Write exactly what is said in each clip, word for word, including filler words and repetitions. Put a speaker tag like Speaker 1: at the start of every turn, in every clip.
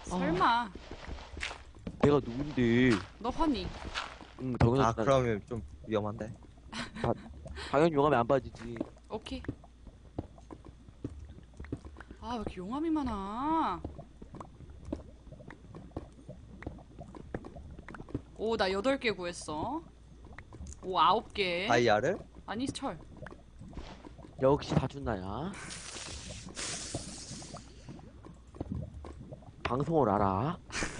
Speaker 1: 설마.
Speaker 2: 내가 누군데?
Speaker 1: 너 허니.
Speaker 2: 응, 당연히.
Speaker 3: 아 그러면 좀 위험한데.
Speaker 2: 당연히 용암에 안 빠지지.
Speaker 1: 오케이. 아, 왜 이렇게 용암이 많아? 오, 나 여덟 개 구했어. 오, 아홉 개.
Speaker 3: 다이아를?
Speaker 1: 아니, 철.
Speaker 2: 역시 다준나야. 방송을 알아.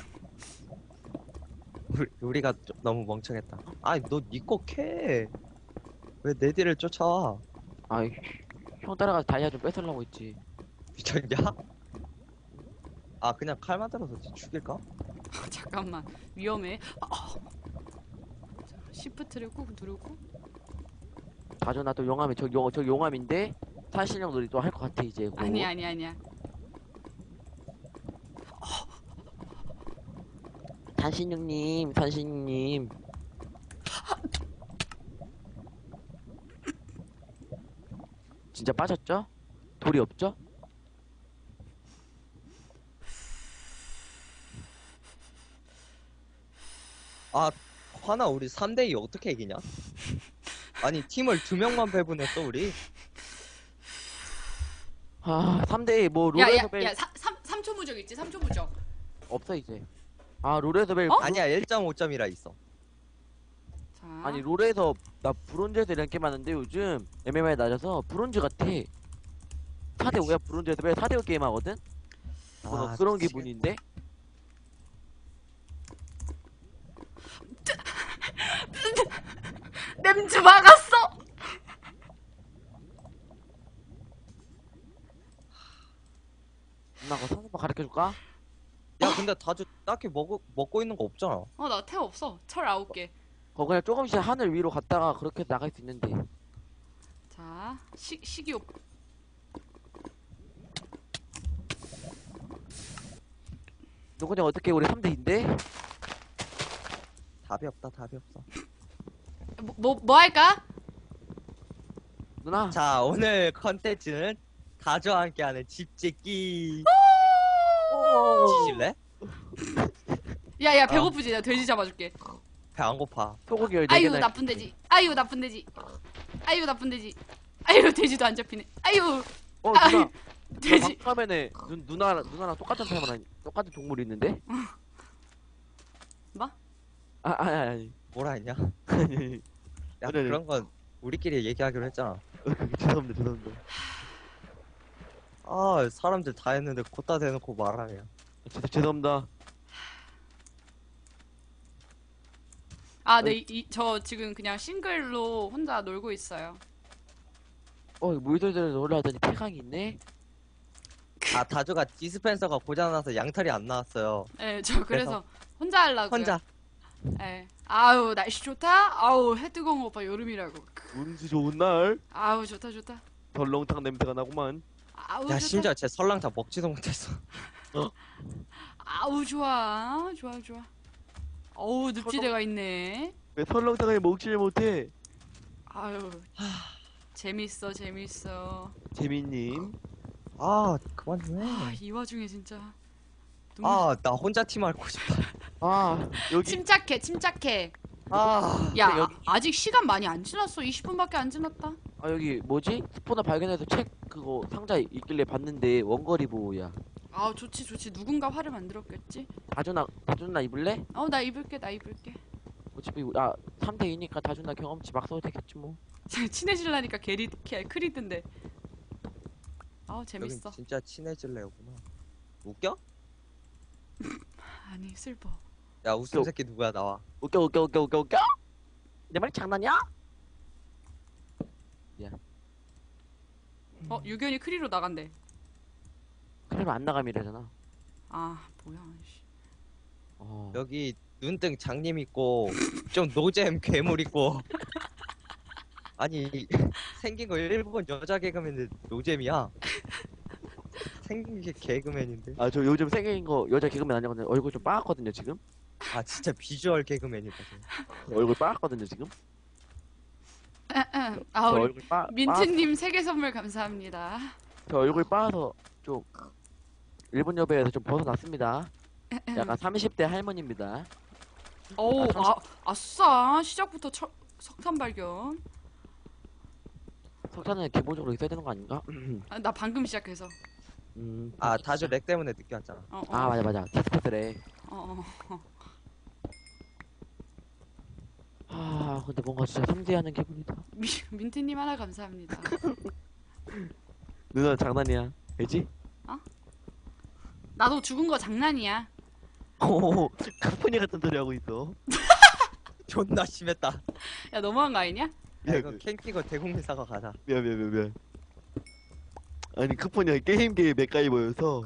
Speaker 3: 우리, 우리가 좀 너무 멍청했다. 아니 너 니 거 캐. 왜 내 뒤를 쫓아와?
Speaker 2: 아이, 형 따라가서 다이아 좀 뺏으려고 했지.
Speaker 3: 미쳤냐? 아 그냥 칼 만들어서 죽일까?
Speaker 1: 잠깐만. 위험해. 아, 자, 시프트를 꾹 누르고.
Speaker 2: 다준나 또 용암이, 저, 용, 저 용암인데, 산신령 놀이 또 할 것 같아, 이제. 곧.
Speaker 1: 아니, 아니, 아니야.
Speaker 2: 산신령님, 산신령님. 진짜 빠졌죠? 돌이 없죠?
Speaker 3: 아 화나 우리 삼 대 이 어떻게 이기냐? 아니 팀을 두 명만 배분했어 우리?
Speaker 2: 아, 삼 대 뭐,
Speaker 1: 야, 야,
Speaker 2: 롤에서 벨
Speaker 1: 야, 삼, 삼, 삼 초 무적 있지? 삼 초 무적.
Speaker 2: 없어, 이제. 아, 롤에서 벨.
Speaker 1: 어?
Speaker 3: 아니야 일 점 오 점이라 있어.
Speaker 1: 자.
Speaker 2: 아니, 롤에서, 나 브론즈에서 이런 게임 하는데, 요즘 엠엠아이 낮아서 브론즈 같아. 사 대 오야, 브론즈에서 벨 사 대 오 게임 하거든? 뭐,
Speaker 3: 아,
Speaker 2: 그런
Speaker 3: 미치겠다.
Speaker 2: 기분인데?
Speaker 1: 냄새 막았어!
Speaker 2: 누나, 그거 선수만 가르쳐줄까?
Speaker 3: 야 근데 다주 딱히 먹, 먹고 있는 거 없잖아.
Speaker 1: 어, 나 태 없어. 철 아홉 개.
Speaker 2: 그거 그냥 조금씩 하늘 위로 갔다가 그렇게 나갈 수 있는데.
Speaker 1: 자, 시, 식이옷.
Speaker 2: 너 그냥 어떻게 우리 삼 대인데?
Speaker 3: 답이 없다 답이 없어.
Speaker 1: 뭐, 뭐, 뭐 할까?
Speaker 2: 누나.
Speaker 3: 자 오늘 컨텐츠는 다주와 함께하는 집짓기. 지질래?
Speaker 1: 야, 야, 배고프지? 나 돼지 잡아줄게.
Speaker 3: 배 안 고파.
Speaker 2: 소고기 열네
Speaker 1: 아유,
Speaker 2: 개나.
Speaker 1: 나쁜 돼지. 아유, 나쁜 돼지. 아유, 나쁜 돼지. 아유, 돼지도 안 잡히네. 아유,
Speaker 2: 어,
Speaker 1: 아유,
Speaker 2: 누나.
Speaker 1: 돼지.
Speaker 2: 방금에 누, 누나, 누나랑 똑같은 사람 아니, 똑같은 동물이 있는데?
Speaker 1: 뭐?
Speaker 2: 아, 아니, 아니,
Speaker 3: 뭐라 했냐? 야
Speaker 2: 아니. 아니, 아니.
Speaker 3: 그런 건 우리끼리 얘기하기로 했잖아.
Speaker 2: 죄송합니다, 죄송합니다.
Speaker 3: 아 사람들 다 했는데 곧다 대놓고 말하냐.
Speaker 2: 진짜 죄송합니다.
Speaker 1: 아, 네, 이, 이, 저 지금 그냥 싱글로 혼자 놀고 있어요.
Speaker 2: 어, 물들들에서 올라왔더니 태강이 있네?
Speaker 3: 아 다주가 디스펜서가 고장나서 양털이 안 나왔어요.
Speaker 1: 예, 저 그래서 혼자 하려고요.
Speaker 3: 혼자.
Speaker 1: 예. 아우, 날씨 좋다? 아우, 해 뜨거운 거 오빠 여름이라고.
Speaker 2: 운수 좋은 날.
Speaker 1: 아우, 좋다, 좋다.
Speaker 2: 덜렁탕 냄새가 나구만.
Speaker 1: 아우,
Speaker 3: 야
Speaker 1: 좋다.
Speaker 3: 심지어 쟤 설렁탕 먹지도 못했어.
Speaker 1: 아우, 좋아. 좋아, 좋아. 어우, 늪지대가 있네.
Speaker 2: 왜 설렁탕을 먹지를 못해?
Speaker 1: 아유, 재밌어, 재밌어.
Speaker 2: 재민님.
Speaker 3: 아 그만 좀
Speaker 1: 아,
Speaker 3: 해.
Speaker 1: 이 와중에 진짜. 눈물-
Speaker 3: 아 나 혼자 팀 하고 싶다.
Speaker 2: 아, 여기.
Speaker 1: 침착해, 침착해.
Speaker 3: 아
Speaker 1: 야,
Speaker 2: 근데 여기-
Speaker 1: 아, 아직 시간 많이 안 지났어. 이십 분밖에 안 지났다.
Speaker 2: 아, 여기 뭐지? 스포너 발견해서 책 그거 상자 있길래 봤는데 원거리 보호야.
Speaker 1: 아, 좋지, 좋지. 누군가 화를 만들었겠지?
Speaker 2: 다준아, 다준아 입을래?
Speaker 1: 어, 나 입을게, 나 입을게.
Speaker 2: 어차피 아 삼 대 이니까 다준아 경험치 막 써도 되겠지 뭐.
Speaker 1: 친해질라니까 게리, 게, 크리든데. 아우,
Speaker 3: 여긴
Speaker 1: 재밌어.
Speaker 3: 진짜 친해질래구나. 웃겨?
Speaker 1: 아니, 슬퍼.
Speaker 3: 야 웃음 새끼 누구야 나와.
Speaker 2: 웃겨 웃겨 웃겨 웃겨 웃겨? 내 말 장난이야?
Speaker 1: 어, 유견이 크리로 나간대.
Speaker 2: 그러면 안 나감이래잖아.
Speaker 1: 아, 뭐야, 씨.
Speaker 2: 어.
Speaker 3: 여기 눈등 장님 있고 좀 노잼 괴물 있고. 아니 생긴 거 일본 여자 개그맨인데 노잼이야. 생긴 게 개그맨인데.
Speaker 2: 아, 저 요즘 생긴 거 여자 개그맨 아니거든요. 얼굴 좀 빠았거든요 지금.
Speaker 3: 아 진짜 비주얼 개그맨이다. 쟤.
Speaker 2: 얼굴 빠았거든요 지금.
Speaker 1: 아,
Speaker 2: 저
Speaker 1: 우리
Speaker 2: 얼굴 빠.
Speaker 1: 민트님 세계 선물 감사합니다.
Speaker 2: 빠- 저 얼굴 빠서 좀 일본 여배에서 좀 벗어났습니다. 약간 삼십 대 할머니입니다.
Speaker 1: 오,
Speaker 2: 아,
Speaker 1: 아, 아싸. 시작부터 처, 석탄 발견.
Speaker 2: 석탄은 기본적으로 있어야 되는 거 아닌가?
Speaker 1: 아, 나 방금 시작해서.
Speaker 2: 음.
Speaker 3: 아 다들 렉 때문에 늦게 왔잖아.
Speaker 1: 어, 어,
Speaker 2: 아 맞아 맞아. 디스코드래.
Speaker 1: 어, 어.
Speaker 2: 아 근데 뭔가 진짜 섬세하는 기분이다.
Speaker 1: 미, 민트님 하나 감사합니다.
Speaker 2: 누나 장난이야. 알지?
Speaker 1: 나도 죽은 거 장난이야.
Speaker 2: 오, 카푸니 같은 소리 하고 있어.
Speaker 3: 존나 심했다.
Speaker 1: 야, 너무한 거 아니냐?
Speaker 3: 야
Speaker 2: 미안,
Speaker 3: 이거 캠핑거 대국민 사과 가자.
Speaker 2: 미안, 미안, 미안, 미안. 아니, 카푸니가 게임계의 맥가이버여서.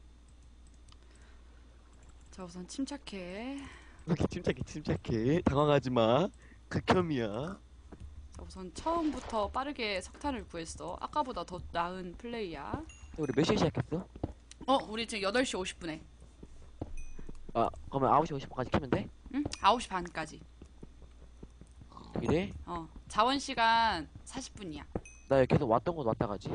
Speaker 1: 자, 우선 침착해.
Speaker 2: 이렇게 침착해, 침착해. 당황하지 마. 극혐이야.
Speaker 1: 자, 우선 처음부터 빠르게 석탄을 구했어. 아까보다 더 나은 플레이야.
Speaker 2: 우리 몇 시에 시작했어?
Speaker 1: 어, 우리 지금 여덟 시 오십 분에.
Speaker 2: 아, 그러면 아홉 시 오십 분까지 켜면 돼?
Speaker 1: 응? 아홉 시 반까지.
Speaker 2: 이래?
Speaker 1: 어, 자원 시간 사십 분이야.
Speaker 2: 나 여기 계속 왔던 곳 왔다 가지.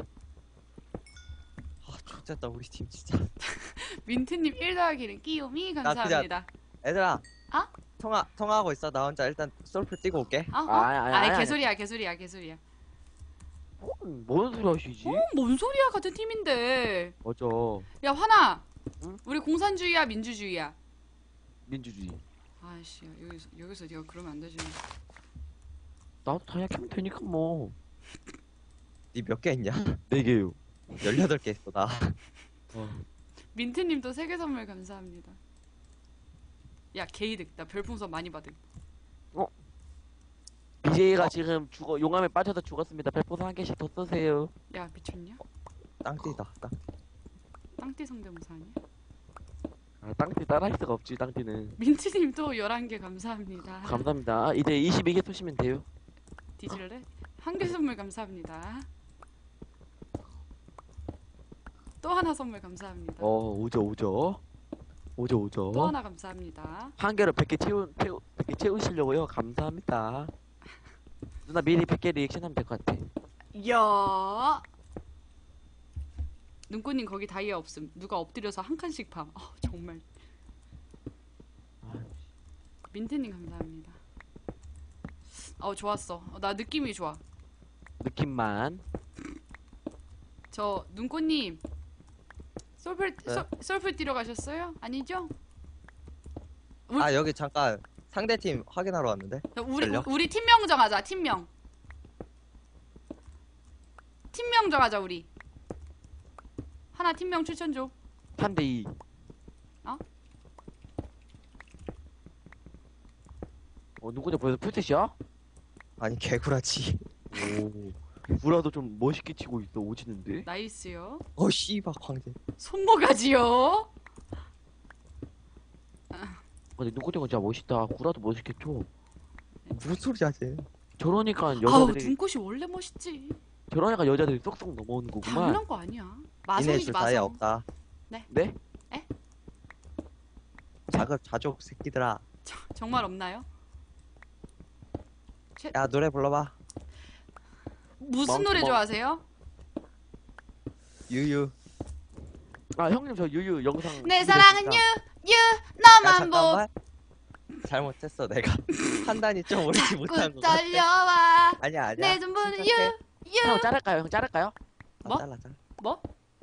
Speaker 3: 아 좋겠다 우리 팀 진짜.
Speaker 1: 민트님 일 더하기는 끼요미 감사합니다.
Speaker 3: 얘들아.
Speaker 1: 아?
Speaker 3: 통화 통화하고 있어. 나 혼자 일단 솔플 뛰고 올게.
Speaker 1: 아, 어?
Speaker 2: 아, 아니, 아니,
Speaker 1: 아이,
Speaker 2: 아니,
Speaker 1: 개소리야, 개소리야, 개소리야.
Speaker 2: 어, 뭔 소리 하시지?
Speaker 1: 어, 뭔 소리야, 같은 팀인데.
Speaker 2: 맞아.
Speaker 1: 야, 화나.
Speaker 2: 응?
Speaker 1: 우리 공산주의야, 민주주의야?
Speaker 2: 민주주의.
Speaker 1: 아이씨, 여기서, 여기서 네가 그러면 안 되지.
Speaker 2: 나도 다이아 켜면 되니까 뭐.
Speaker 3: 니 몇 개 있냐?
Speaker 2: 네 개요.
Speaker 3: 열여덟 개 있어 나.
Speaker 2: 어.
Speaker 1: 민트님도 세계 선물 감사합니다. 야, 게이득. 나 별풍선 많이 받음.
Speaker 2: 비제이가 지금 죽어 용암에 빠져서 죽었습니다. 별풍선 한 개씩 더 쏘세요.
Speaker 1: 야, 미쳤냐?
Speaker 3: 땅띠다. 땅.
Speaker 1: 땅띠 성대모사 아니야?
Speaker 2: 아, 땅띠 따라할 수가 없지. 땅띠는.
Speaker 1: 민트님도 열한 개 감사합니다.
Speaker 2: 감사합니다. 이제 이십이 개 쏘시면 돼요.
Speaker 1: 뒤질래? 한 개 선물 감사합니다. 또 하나 선물 감사합니다.
Speaker 2: 어 오죠 오죠. 오죠 오죠.
Speaker 1: 또 하나 감사합니다.
Speaker 2: 한 개로 백 개 채우 채우 백 개 채우시려고요. 감사합니다. 누나 미리 백 개 리액션 하면 될 것 같아.
Speaker 1: 야 눈꽃님 거기 다이아 없음. 누가 엎드려서 한 칸씩 팜. 어, 정말. 민트님 감사합니다. 어 좋았어. 어, 나 느낌이 좋아.
Speaker 2: 느낌만.
Speaker 1: 저 눈꽃님 솔플
Speaker 3: 네?
Speaker 1: 솔- 솔플 뛰러 가셨어요? 아니죠? 우리,
Speaker 3: 아 여기 잠깐 상대 팀 확인하러 왔는데.
Speaker 1: 우리
Speaker 3: 전력?
Speaker 1: 우리 팀명 정하자. 팀명. 팀명 정하자 우리. 하나 팀명 추천 줘.
Speaker 2: 삼 대 이.
Speaker 1: 어?
Speaker 2: 어 누구냐 벌써 풀셋이야?
Speaker 3: 아니 개구라지.
Speaker 2: 오. 구라도 좀 멋있게 치고 있어. 오지는데.
Speaker 1: 나이스요.
Speaker 3: 어 씨발 광대.
Speaker 1: 손모가지요.
Speaker 2: 근데 누구냐 진짜 멋있다. 구라도 멋있게 쳐.
Speaker 3: 무슨 소리야 쟤.
Speaker 2: 저러니까
Speaker 1: 아우
Speaker 2: 여자들이
Speaker 1: 눈꽃이 원래 멋있지.
Speaker 2: 저러니까 여자들이 쏙쏙 넘어오는 거구만.
Speaker 1: 당연한 거 아니야.
Speaker 3: 니네
Speaker 1: 마성이지
Speaker 3: 줄 다이아
Speaker 1: 마성.
Speaker 3: 없다.
Speaker 2: 네?
Speaker 3: 자급 자족 새끼들아.
Speaker 1: 정말 없나요?
Speaker 3: 야 노래 불러봐.
Speaker 1: 무슨
Speaker 2: 멍-
Speaker 1: 노래
Speaker 2: 멍-
Speaker 1: 좋아하세요?
Speaker 3: 유유.
Speaker 2: 아 형님 저 유유 영상.
Speaker 1: 내
Speaker 2: 준비됐습니다.
Speaker 1: 사랑은 유, 유,
Speaker 3: 야
Speaker 1: 너만 보.
Speaker 3: 잠깐만. 잘못했어 내가. 판단이 좀 옳지 못한
Speaker 1: 꾸
Speaker 3: 것 같아.
Speaker 1: 떨려와.
Speaker 3: 아니야 아니야.
Speaker 1: 내 전부는 유,
Speaker 3: 침착해.
Speaker 1: 유.
Speaker 2: 형 자를까요? 형 자를까요?
Speaker 3: 아,
Speaker 1: 뭐?
Speaker 3: 잘라 잘라.
Speaker 1: 뭐?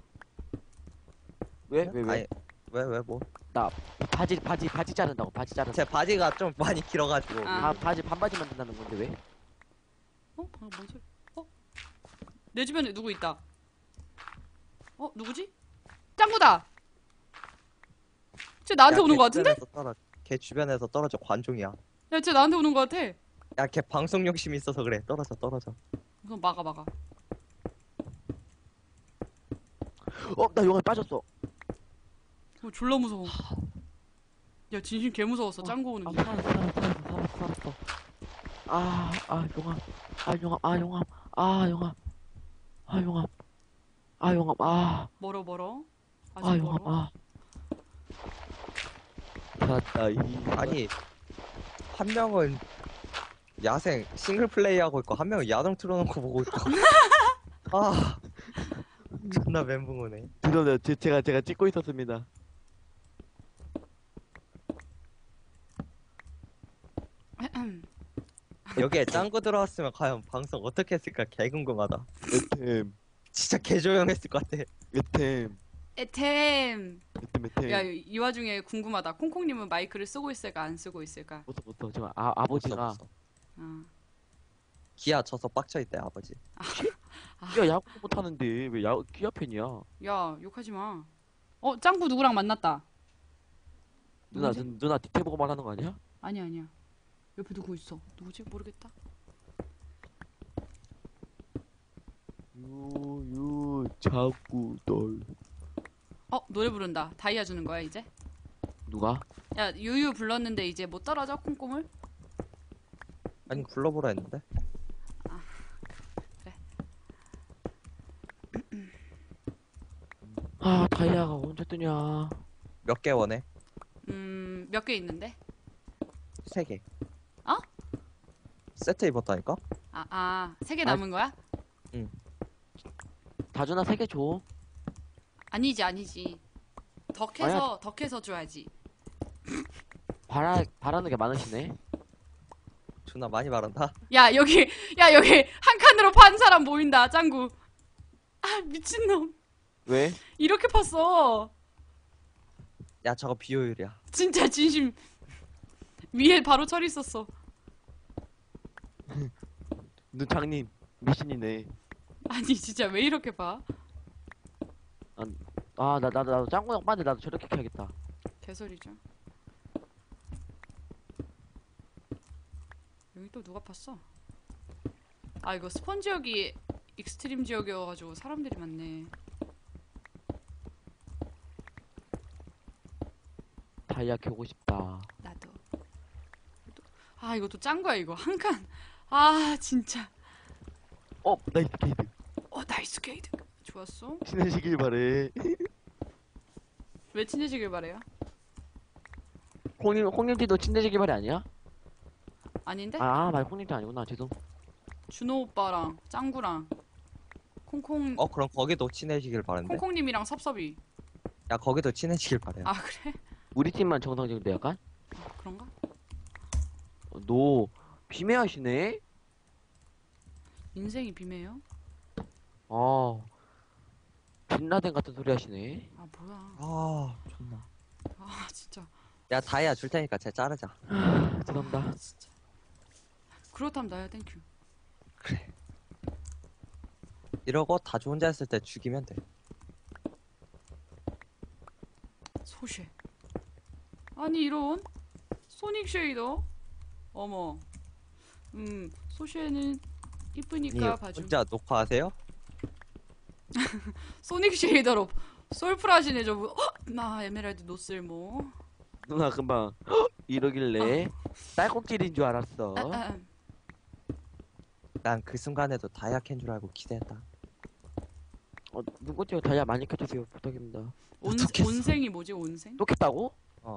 Speaker 2: 왜? 왜 왜?
Speaker 3: 아니, 왜, 왜, 뭐?
Speaker 2: 바지 바지 바지 자른다고 바지 자른다.
Speaker 3: 제 바지가 좀 많이 길어가지고.
Speaker 1: 아.
Speaker 2: 아 바지 반바지 만든다는 건데 왜?
Speaker 1: 어? 방금 뭔 소리? 어? 내 주변에 누구 있다. 어? 누구지? 짱구다. 쟤 나한테
Speaker 3: 야,
Speaker 1: 오는
Speaker 3: 걔
Speaker 1: 거 같은데?
Speaker 3: 주변에서 떨어, 걔 주변에서 떨어져, 관종이야.
Speaker 1: 야, 쟤 나한테 오는 거 같아.
Speaker 3: 야, 걔 방송 욕심 있어서 그래. 떨어져, 떨어져.
Speaker 1: 우선 막아 막아.
Speaker 2: 어 나 영화에 빠졌어.
Speaker 1: 어, 졸라 무서워. 야, 진심 개 무서웠어. 짱구 오는
Speaker 2: 아
Speaker 1: 게.
Speaker 2: 살았어 살았어 살았어 살았어 살았어. 아아 용암 아 용암 아 용암 아 용암 아 용암 아 용암 아
Speaker 1: 멀어 멀어. 아직
Speaker 2: 아 용암
Speaker 1: 멀어.
Speaker 2: 아. 살았다 이.
Speaker 3: 아니, 한 명은 야생 싱글 플레이 하고 있고, 한 명은 야동 틀어놓고 보고 있고. 아, 존나 멘붕 오네.
Speaker 2: 죄송해요. 제, 제가 제가 찍고 있었습니다.
Speaker 3: 여기에 짱구 들어왔으면 과연 방송 어떻게 했을까 개 궁금하다.
Speaker 2: 에템
Speaker 3: 진짜 개 조용했을 것 같아.
Speaker 2: 에템
Speaker 1: 에템.
Speaker 2: 에템 에템.
Speaker 1: 야, 이, 이 와중에 궁금하다. 콩콩님은 마이크를 쓰고 있을까 안 쓰고 있을까?
Speaker 2: 못어 못어 지금 아 아버지가
Speaker 3: 없어, 없어.
Speaker 1: 어.
Speaker 3: 기아 쳐서 빡쳐 있대 아버지.
Speaker 2: 야 야구 못하는데 왜 야 기아 팬이야?
Speaker 1: 야, 욕하지 마. 어, 짱구 누구랑 만났다.
Speaker 2: 누나
Speaker 1: 누구지?
Speaker 2: 누, 누나 뒤태 보고 말하는 거 아니야?
Speaker 1: 아니야, 아니야. 옆에 누구 있어? 누구지? 모르겠다.
Speaker 2: 유유 자꾸 널
Speaker 1: 어, 노래 부른다. 다이아 주는 거야, 이제?
Speaker 2: 누가?
Speaker 1: 야, 유유 불렀는데 이제 못 따라줘, 콩콩을?
Speaker 3: 아니 불러보라 했는데.
Speaker 2: 아 다이아가 언제 뜨냐?
Speaker 3: 몇 개 원해?
Speaker 1: 음, 몇 개 있는데?
Speaker 3: 세 개.
Speaker 1: 어?
Speaker 3: 세트 입었다니까?
Speaker 1: 아, 아, 세 개
Speaker 2: 아,
Speaker 1: 남은 거야?
Speaker 2: 다준아 세 개 줘.
Speaker 1: 아니지, 아니지. 덕해서, 덕해서 줘야지.
Speaker 2: 바라 바라는 게 많으시네.
Speaker 3: 존나 많이 말한다.
Speaker 1: 야, 여기, 야, 여기 한 칸으로 판 사람 보인다, 짱구. 아, 미친놈.
Speaker 2: 왜?
Speaker 1: 이렇게 팠어.
Speaker 3: 야 저거 비효율이야.
Speaker 1: 진짜 진심. 위에 바로 철 있었어.
Speaker 2: 눈 장님 미신이네.
Speaker 1: 아니, 진짜 왜 이렇게 봐?
Speaker 2: 아 나 나도 나도 짱구 형 빠는데 나도 저렇게 켜야겠다.
Speaker 1: 개소리죠. 여기 또 누가 팠어? 아, 이거 스폰 지역이 익스트림 지역이어가지고 사람들이 많네.
Speaker 2: 다이아 켜고 싶다.
Speaker 1: 나도. 아, 이것도 짱구야, 이거. 한 칸. 아, 진짜.
Speaker 2: 어 나이스 게이드.
Speaker 1: 어, 나이스 게이드. 좋았어.
Speaker 2: 친해지길 바래.
Speaker 1: 왜 친해지길 바래요?
Speaker 2: 홍님 홍님띠도 친해지길 바래 아니야?
Speaker 1: 아닌데?
Speaker 2: 아 맞아 홍님띠 아니구나 죄송.
Speaker 1: 준호 오빠랑 짱구랑 콩콩
Speaker 3: 어 그럼 거기도 친해지길 바란데.
Speaker 1: 콩콩님이랑 섭섭이.
Speaker 3: 야 거기도 친해지길 바래.
Speaker 1: 아, 그래?
Speaker 2: 우리 팀만 정상적인데 약간?
Speaker 1: 아, 그런가?
Speaker 2: 어, 너 비매하시네?
Speaker 1: 인생이 비매요?
Speaker 2: 어 빈라덴 같은 소리 하시네.
Speaker 1: 아, 뭐야?
Speaker 3: 아 존나.
Speaker 1: 아, 진짜.
Speaker 3: 야 다이아 줄 테니까 쟤 자르자.
Speaker 2: 죄송합니다.
Speaker 1: 아, 진짜. 그렇다면 나야 땡큐.
Speaker 3: 그래. 이러고 다주 혼자 했을 때 죽이면 돼.
Speaker 1: 소쉐. 아니, 이런 소닉 쉐이더. 어머. 음, 소쉐는 이쁘니까
Speaker 3: 니
Speaker 1: 봐줘.
Speaker 3: 혼자 녹화하세요?
Speaker 1: 소닉 쉐이더로 솔플하시네 저분. 어? 나 에메랄드 노쓸모.
Speaker 2: 누나 금방 이러길래 딸꾹질인 줄 알았어.
Speaker 1: 아, 아,
Speaker 3: 난 그 순간에도 다이아 캔 줄 알고 기대했다.
Speaker 2: 어 누구죠? 다이아 많이 켜주세요 부탁입니다.
Speaker 1: 온,
Speaker 3: 어떡했어?
Speaker 1: 온생이 뭐지, 온생?
Speaker 2: 또 켰다고?
Speaker 3: 어.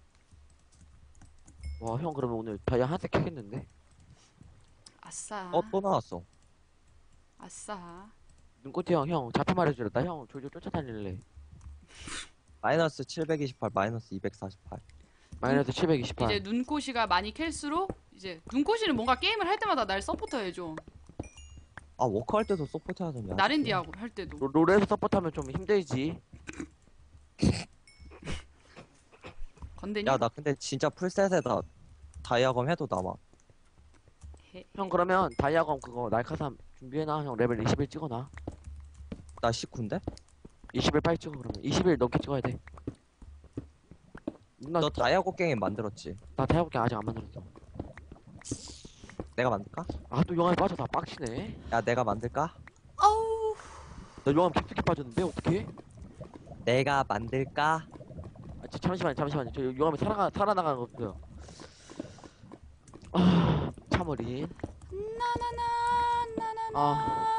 Speaker 2: 와 형 그러면 오늘 다이아 한색 켜겠는데?
Speaker 1: 아싸.
Speaker 3: 어 또 나왔어.
Speaker 1: 아싸.
Speaker 2: 눈꽃이 형, 형 잡혀 말해주라. 나 형 졸졸 쫓아다닐래.
Speaker 3: 마이너스 칠백이십팔, 마이너스 이백사십팔.
Speaker 2: 마이너스 칠백이십팔.
Speaker 1: 이제 눈꽃이가 많이 캘수록 이제 눈꽃이는 뭔가 게임을 할 때마다 날 서포터 해줘.
Speaker 3: 아 워크 할 때도 서포트 하던데.
Speaker 1: 나랜디하고 할 때도.
Speaker 2: 로, 롤에서 서포트하면 좀 힘들지.
Speaker 1: 건대니?
Speaker 3: 야 나 근데 진짜 풀셋에다 다이아검 해도 남아.
Speaker 1: 해.
Speaker 2: 형 그러면 다이아검 그거 날카삼 준비해놔. 형 레벨 이십일 찍어놔.
Speaker 3: 나 십구인데?
Speaker 2: 이십일 빨리 찍어 그러면. 이십일 넘게 찍어야 돼. 누나
Speaker 3: 너 다이아 곡괭이 만들었지?
Speaker 2: 나 다이아검 아직 안 만들었어.
Speaker 3: 내가 만들까?
Speaker 2: 아 또 영화에 빠져 다 빡치네.
Speaker 3: 야 내가 만들까?
Speaker 1: 아우.
Speaker 2: 나 영화 깊숙이 빠졌는데 어떡해?
Speaker 3: 내가 만들까?
Speaker 2: 아, 저, 잠시만요 잠시만요. 저 영화에 살아가 살아나가는 거 없어요. 아 참어린.
Speaker 1: 나나나 나나나
Speaker 2: 아.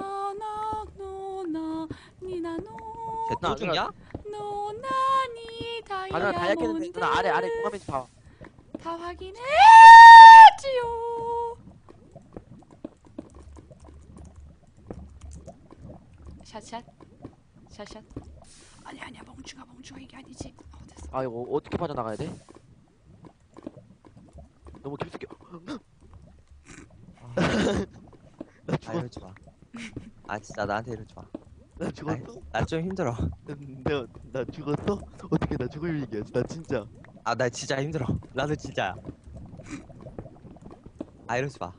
Speaker 1: 나나노나 니나노
Speaker 3: 쟤
Speaker 2: 누나,
Speaker 3: 또 죽냐?
Speaker 1: 노나니
Speaker 2: 아 누나 다이아 켰는데
Speaker 1: 다이아몬드
Speaker 2: 누나 아래 아래 공감해서 봐.
Speaker 1: 다 확인했지요. 샷샷 샷샷. 아니 아니야 멍충아 멍충아 이게 아니지. 어 됐어.
Speaker 2: 아 이거 어떻게 빠져나가야 돼? 너무 깊숙이.
Speaker 3: 아,
Speaker 2: 나
Speaker 3: 아
Speaker 2: 죽었.
Speaker 3: 이러지 마. 아 진짜 나한테 이러지 마.
Speaker 2: 나 죽었어?
Speaker 3: 나 좀 힘들어.
Speaker 2: 내가 나 죽었어? 어떻게 나 죽을 얘기야? 나 진짜.
Speaker 3: 아 나 진짜 힘들어. 나도 진짜야. 아 이러지 마.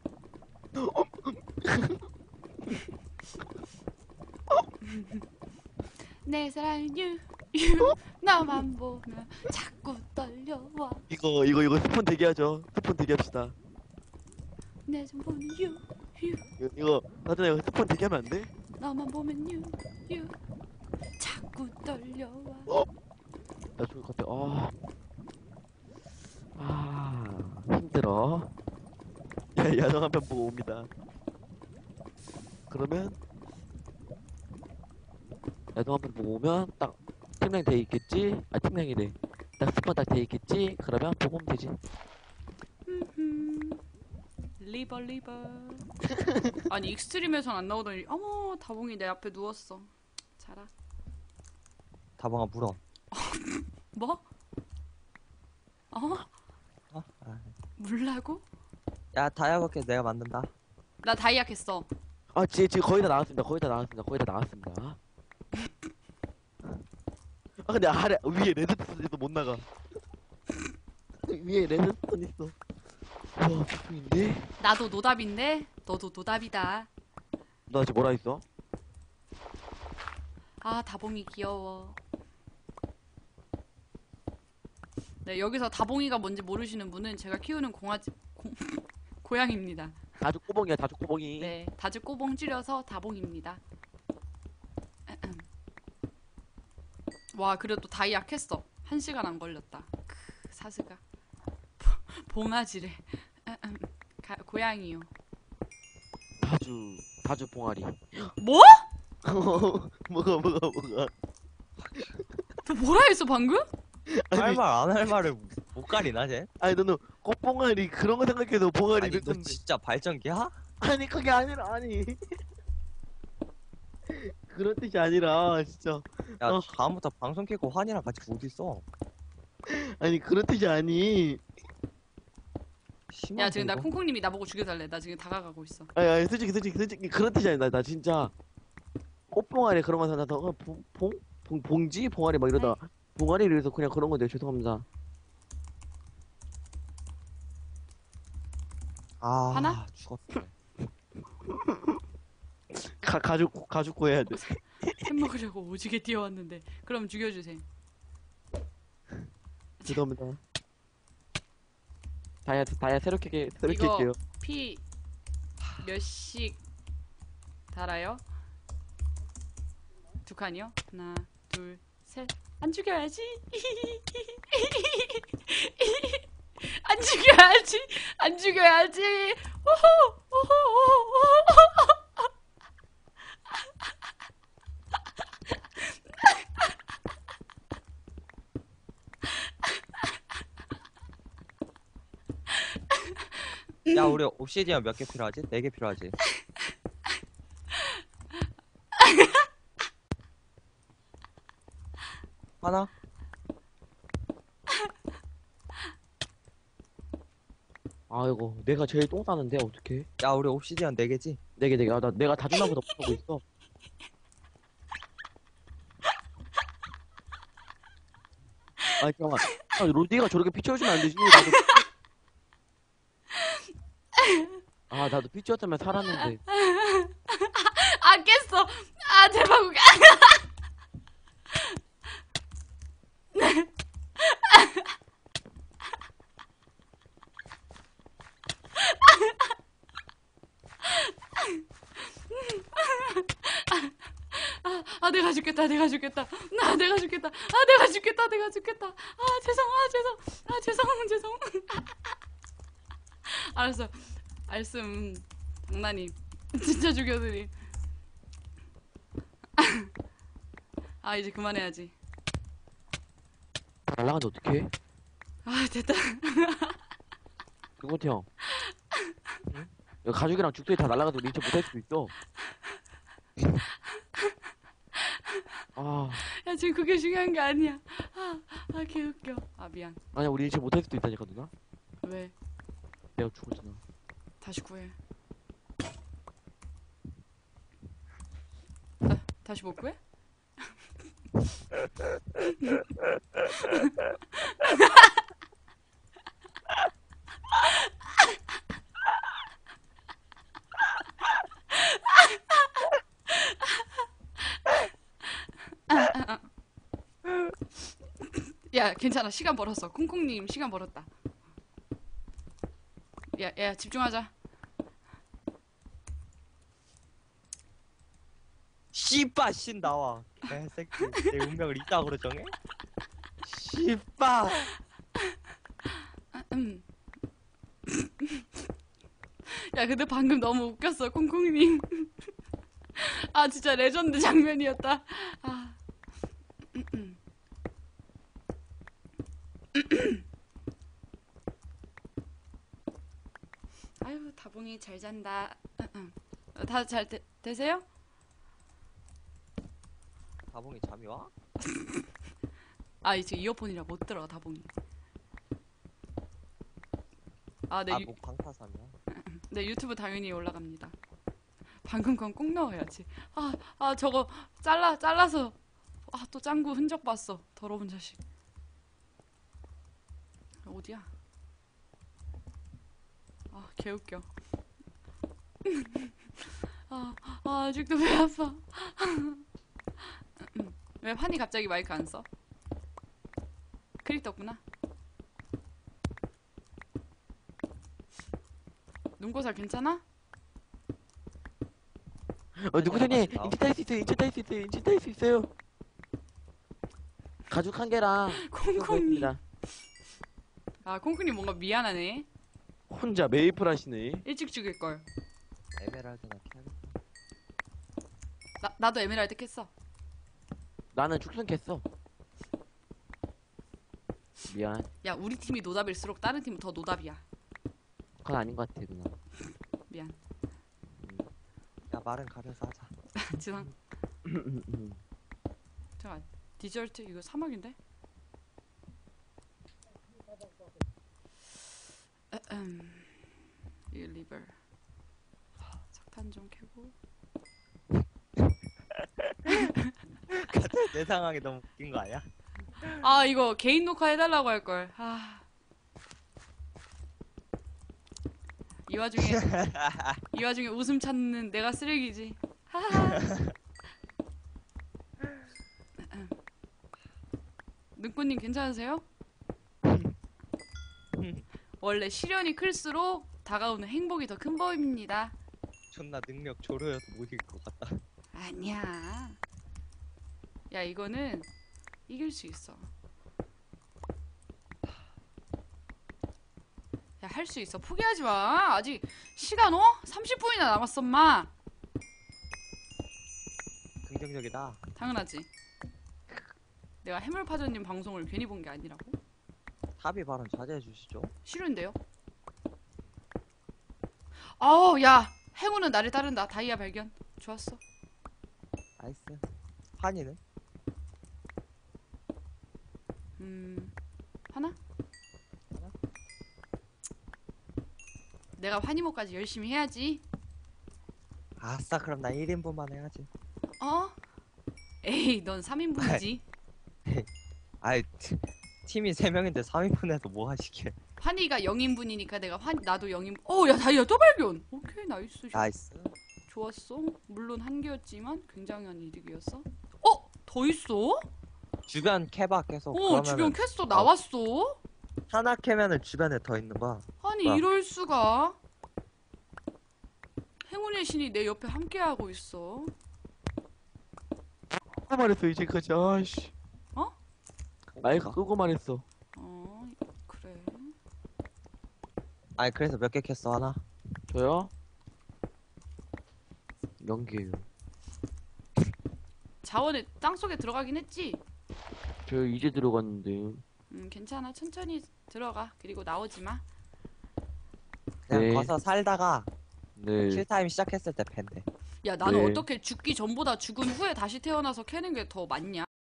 Speaker 1: 내 사랑 유, 유, 나만 보면 자꾸 떨려와.
Speaker 2: 이거 이거 이거 스폰 대기하죠. 스폰 대기합시다.
Speaker 1: 내 좀 보면 유, 유,
Speaker 2: 이거 이거 나중에 이거 스폰 대기하면 안 돼?
Speaker 1: 나만 보면 유, 유, 자꾸 떨려와.
Speaker 2: 나 죽을 것 같아. 아, 아 힘들어. 야, 야동 한 편 보고 옵니다. 그러면 야동 한 편 보고 오면 딱 팀랭 돼 있겠지? 아 팀랭이래. 딱 스폰 딱 돼 있겠지? 그러면 보고 오면 되지.
Speaker 1: 음흠. 리버 리버. 아니 익스트림에선 안 나오더니 어머 다봉이 내 앞에 누웠어. 자라.
Speaker 3: 다방아 물어.
Speaker 1: 뭐? 어?
Speaker 3: 어? 아.
Speaker 1: 물라고?
Speaker 3: 야 다이아밖에 내가 만든다.
Speaker 1: 나 다이약 했어.
Speaker 2: 아 지, 지금 거의 다 나왔습니다. 거의 다 나왔습니다. 거의 다 나왔습니다. 아 근데 아래 위에 레드스톤 있어 못 나가. 위에 레드스톤 있어. 와 폭풍인데?
Speaker 1: 나도 노답인데 너도 노답이다.
Speaker 2: 나 지금 뭐라 했어?
Speaker 1: 아 다봉이 귀여워. 네 여기서 다봉이가 뭔지 모르시는 분은 제가 키우는 공아지 공, 고양입니다.
Speaker 2: 다주 꼬봉이야 다주 꼬봉이.
Speaker 1: 네 다주 꼬봉 줄여서 다봉입니다. 와 그래도 또 다이약 했어. 한 시간 안 걸렸다. 크, 사스가 봉아지래. 가, 고양이요.
Speaker 2: 다주 다주 봉아리.
Speaker 1: 뭐?
Speaker 2: 뭐가 뭐가 뭐가.
Speaker 1: 너 뭐라 했어 방금?
Speaker 3: 할 말 안 할 말을 못 가리나 쟤?
Speaker 2: 아니 너는 꽃봉아리 그런 거 생각해서 봉아리
Speaker 3: 아니 너
Speaker 2: 이랬는데.
Speaker 3: 진짜 발전기야?
Speaker 2: 아니 그게 아니라 아니. 그런 뜻이 아니라 진짜.
Speaker 3: 야
Speaker 2: 어.
Speaker 3: 다음부터 방송 켜고 환이랑 같이 어디 있어?
Speaker 2: 아니 그런 뜻이 아니.
Speaker 3: 심한데,
Speaker 1: 야 지금 나
Speaker 3: 이거?
Speaker 1: 콩콩님이 나보고 죽여달래. 나 지금 다가가고 있어.
Speaker 2: 아니 아니 솔직히 솔직히 솔직히 그런 뜻이 아니다. 나 진짜 꽃봉아리 그런 거 생각해서 어, 봉, 봉? 봉, 봉지? 봉아리 막 이러다 봉아리를 해서 그냥 그런 건데 죄송합니다.
Speaker 3: 아
Speaker 1: 하나?
Speaker 3: 죽었어.
Speaker 2: 가, 가죽 가죽 구해야 돼.
Speaker 1: 햄 먹으려고 오지게 뛰어왔는데. 그럼 죽여주세요.
Speaker 2: 죄송합니다. 다이아 다이아 새롭게 게- 새롭게
Speaker 1: 이거-
Speaker 2: 할게요.
Speaker 1: 피 몇씩 달아요? 두 칸이요? 하나, 둘, 셋. 안 죽여야지. 안 죽여야지. 안 죽여야지. 오호, 오호, 오호.
Speaker 3: 야 우리 옵시디언 몇 개 필요하지? 네 개 필요하지? 하나?
Speaker 2: 아이고 내가 제일 똥 싸는데 어떡해?
Speaker 3: 야 우리 옵시디언 네 개지?
Speaker 2: 네개 네개. 아, 나 내가 다준나보다 못하고 있어. 아니 잠깐만. 아, 로디가 저렇게 피 채워주면 안 되지. 나도. 아 나도 피 채웠으면 살았는데.
Speaker 1: 아 깼어. 아 대박. 아, 아 내가 죽겠다. 내가 죽겠다. 나 내가 죽겠다. 아 내가 죽겠다. 내가 죽겠다. 아 죄송. 아 죄송. 아 죄송. 죄송. 알았어. 알씀 장난이 진짜 죽여드리. 아 이제 그만해야지.
Speaker 2: 날라간데 어떡해?
Speaker 1: 아 됐다.
Speaker 2: 김건태 형. 응? 여기 가죽이랑 죽도이 다 날라가서 우리 인체 못할 수도 있어. 아
Speaker 1: 야 지금 그게 중요한 게 아니야. 아, 아 개웃겨. 아 미안.
Speaker 2: 아니야 우리 인체 못할 수도 있다니까 누나.
Speaker 1: 왜?
Speaker 2: 내가 죽었잖아.
Speaker 1: 다시 구해. 아, 다시 못 구해? 야, 괜찮아. 시간 벌었어. 콩콩님 시간 벌었다. 야, 야, 집중하자.
Speaker 3: 씨빠 신 나와. 개새끼. 내 운명을 이따구로 정해? 씨빠.
Speaker 1: 음. 야, 근데 방금 너무 웃겼어, 콩콩님. 아, 진짜 레전드 장면이었다. 아. 음, 음. 아유, 다봉이 잘 잔다. 다 잘 되세요?
Speaker 3: 다봉이 잠이 와?
Speaker 1: 아, 이제 이어폰이라 못 들어, 다봉이. 아, 네,
Speaker 3: 아,
Speaker 1: 유,
Speaker 3: 뭐 방타삼이야.
Speaker 1: 네, 유튜브 당연히 올라갑니다. 방금 건 꼭 넣어야지. 아, 아, 저거 잘라, 잘라서. 아, 또 짱구 흔적 봤어. 더러운 자식. 어디야? 아, 개웃겨. 아, 아, 아직도 배 아파. 왜 환희 갑자기 마이크 안 써? 크립 떴구나. 눈고살 괜찮아?
Speaker 2: 어 누구세요?
Speaker 3: 나와.
Speaker 2: 인체 탈 수 있어요. 인체 탈 수 있어요. 인체 탈 수 있어요. 가죽 한 개랑
Speaker 1: 콩콩님.
Speaker 2: 있습니다.
Speaker 1: 아, 콩콩님 뭔가 미안하네.
Speaker 2: 혼자 메이플 하시네.
Speaker 1: 일찍 죽일걸.
Speaker 3: 에메랄드나 캐야겠다.
Speaker 1: 나, 나도 에메랄드 깼어.
Speaker 2: 나는 축성 캤어. 미안.
Speaker 1: 야, 우리 팀이 노답일수록 다른 팀은 더 노답이야.
Speaker 2: 그건 아닌 것 같아 누나.
Speaker 1: 미안.
Speaker 3: 야, 말은 가려서 하자.
Speaker 1: 지상. 잠깐. 디저트 이거 사막인데? 음. 이 리버. 석탄 좀 캐고.
Speaker 3: 내 상황이 너무 웃긴 거 아니야?
Speaker 1: 아, 이거 개인 녹화 해달라고 할걸. 아. 이 와중에 이 와중에 웃음 찾는 내가 쓰레기지. 하하. 눈꽃님 괜찮으세요? 원래 시련이 클수록 다가오는 행복이 더 큰 법입니다.
Speaker 3: 존나 능력 조로여서 못 이길 것 같다.
Speaker 1: 아니야. 야, 이거는 이길 수 있어. 야, 할 수 있어. 포기하지 마. 아직 시간 어? 삼십 분이나 남았어, 엄마.
Speaker 3: 긍정적이다.
Speaker 1: 당연하지. 내가 해물파전님 방송을 괜히 본 게 아니라고?
Speaker 3: 탑이 발언 자제해 주시죠.
Speaker 1: 싫은데요? 아우, 야. 행운은 나를 따른다. 다이아 발견. 좋았어.
Speaker 3: 나이스. 한이는?
Speaker 1: 음, 하나? 내가 환희모까지 열심히 해야지.
Speaker 3: 아싸, 그럼 나 일 인분만 해야지.
Speaker 1: 어? 에이, 넌 삼 인분이지.
Speaker 3: 아이, 티- 팀이 세 명인데 삼 인분 해서 뭐 하시게.
Speaker 1: 환희가 영 인분이니까 내가 환 나도 영 인분. 어, 야, 다이아 또 발견. 오케이, 나이스.
Speaker 3: 나이스.
Speaker 1: 좋았어. 물론 한 개였지만 굉장한 이득이었어. 어? 더 있어?
Speaker 3: 주변 캐봐 계속.
Speaker 1: 어, 주변
Speaker 3: 그러면은
Speaker 1: 퀘스트 나왔어.
Speaker 3: 하나 캐면은 주변에 더 있는 거야.
Speaker 1: 아니,
Speaker 3: 뭐야?
Speaker 1: 이럴 수가. 행운의 신이 내 옆에 함께하고 있어.
Speaker 2: 끄고 말했어 이제까지. 아씨.
Speaker 1: 어?
Speaker 2: 마이크 끄고 말했어.
Speaker 1: 어, 그래.
Speaker 3: 아니, 그래서 몇 개 캤어, 하나?
Speaker 2: 저요? 연기예요.
Speaker 1: 자원에 땅속에 들어가긴 했지.
Speaker 2: 저 이제 들어갔는데.
Speaker 1: 음, 괜찮아. 천천히 들어가. 그리고 나오지 마.
Speaker 3: 그냥
Speaker 2: 네.
Speaker 3: 가서 살다가
Speaker 2: 네.
Speaker 3: 킬타임 시작했을 때 팬데.
Speaker 1: 야, 나는
Speaker 2: 네.
Speaker 1: 어떻게 죽기 전보다 죽은 후에 다시 태어나서 캐는 게 더 맞냐?